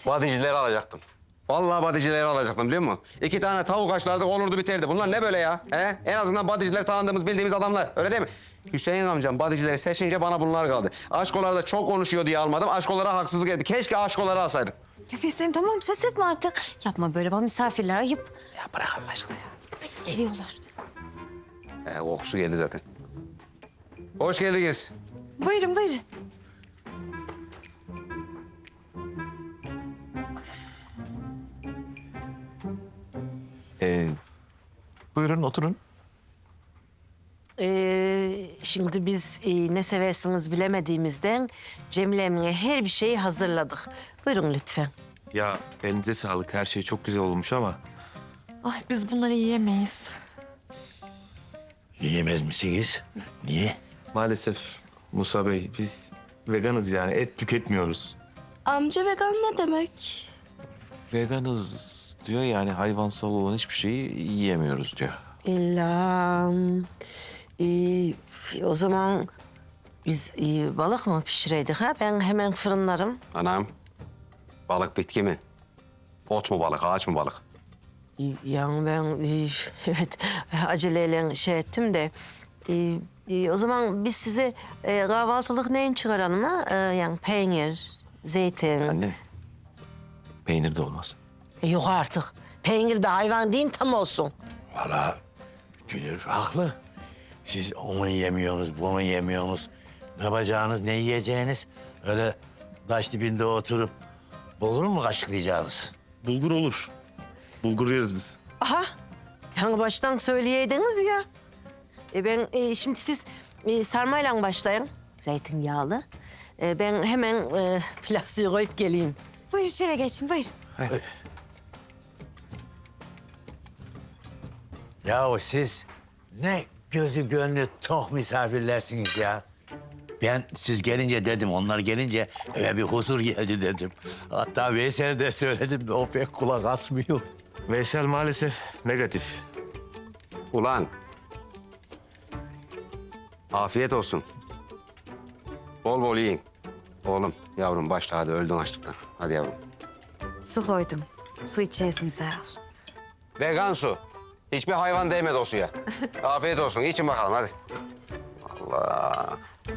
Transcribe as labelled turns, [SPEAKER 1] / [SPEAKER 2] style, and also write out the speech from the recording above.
[SPEAKER 1] Badicileri alacaktım. Vallahi badicileri alacaktım biliyor musun? 2 tane tavuk haşlardık olurdu biterdi. Bunlar ne böyle ya? He? En azından badiciler tanıdığımız bildiğimiz adamlar. Öyle değil mi? Hüseyin amcam badicileri seçince bana bunlar kaldı. Aşkolar da çok konuşuyor diye almadım. Aşkolara haksızlık ettim. Keşke aşkoları alsaydım.
[SPEAKER 2] Ya Fesleğim tamam ses etme artık. Yapma böyle bana misafirler ayıp.
[SPEAKER 1] Ya bırak Allah aşkına ya.
[SPEAKER 2] Geliyorlar.
[SPEAKER 1] Kokusu geldi zaten. Hoş geldiniz.
[SPEAKER 2] Buyurun buyurun.
[SPEAKER 3] Buyurun oturun.
[SPEAKER 4] Şimdi biz ne seversiniz bilemediğimizden Cemile Emine her bir şeyi hazırladık. Buyurun lütfen.
[SPEAKER 3] Ya elinize sağlık. Her şey çok güzel olmuş ama
[SPEAKER 2] Ay biz bunları yiyemeyiz.
[SPEAKER 5] Yiyemez misiniz? Niye?
[SPEAKER 3] maalesef Musa Bey biz veganız yani et tüketmiyoruz.
[SPEAKER 2] Amca vegan ne demek?
[SPEAKER 6] Veganız diyor yani hayvansal olan hiçbir şeyi yiyemiyoruz diyor.
[SPEAKER 4] İlla o zaman biz balık mı pişireydik ha? Ben hemen fırınlarım.
[SPEAKER 1] Anam. Balık bitki mi? Ot mu balık, ağaç mı balık?
[SPEAKER 4] Yani ben evet aceleyle şey ettim de o zaman biz size kahvaltılık neyin çıkaralım ha? Yani peynir, zeytin.
[SPEAKER 6] Anne, peynir de olmaz.
[SPEAKER 4] Yok artık. Peynir de hayvan değil tam olsun.
[SPEAKER 5] Vallahi Gülür haklı. Siz onu yemiyorsunuz, bunu yemiyorsunuz. Ne yapacağınız, ne yiyeceğiniz? Öyle taş dibinde oturup bulgur mu kaşıklayacaksınız?
[SPEAKER 3] Bulgur olur. Bulgur yeriz biz.
[SPEAKER 4] Aha. Yani baştan söyleyeydiniz ya. Ben şimdi siz sarmayla başlayın. Zeytinyağlı. Ben hemen pilav suyu koyup geleyim.
[SPEAKER 2] Buyurun içeri geçin buyurun.
[SPEAKER 5] Yahu siz ne gözü gönlü tok misafirlersiniz ya. Ben siz gelince dedim, onlar gelince eve bir huzur geldi dedim. Hatta Veysel de söyledim, o pek kulak asmıyor.
[SPEAKER 3] Veysel maalesef negatif.
[SPEAKER 1] Ulan. Afiyet olsun. Bol bol yiyin. Oğlum, yavrum başla hadi öldün açlıktan. Hadi yavrum.
[SPEAKER 2] Su koydum. Su içersiniz herhal.
[SPEAKER 1] Vegan su. Hiçbir hayvan değmedi o suya. Afiyet olsun. İçin bakalım hadi. Allah.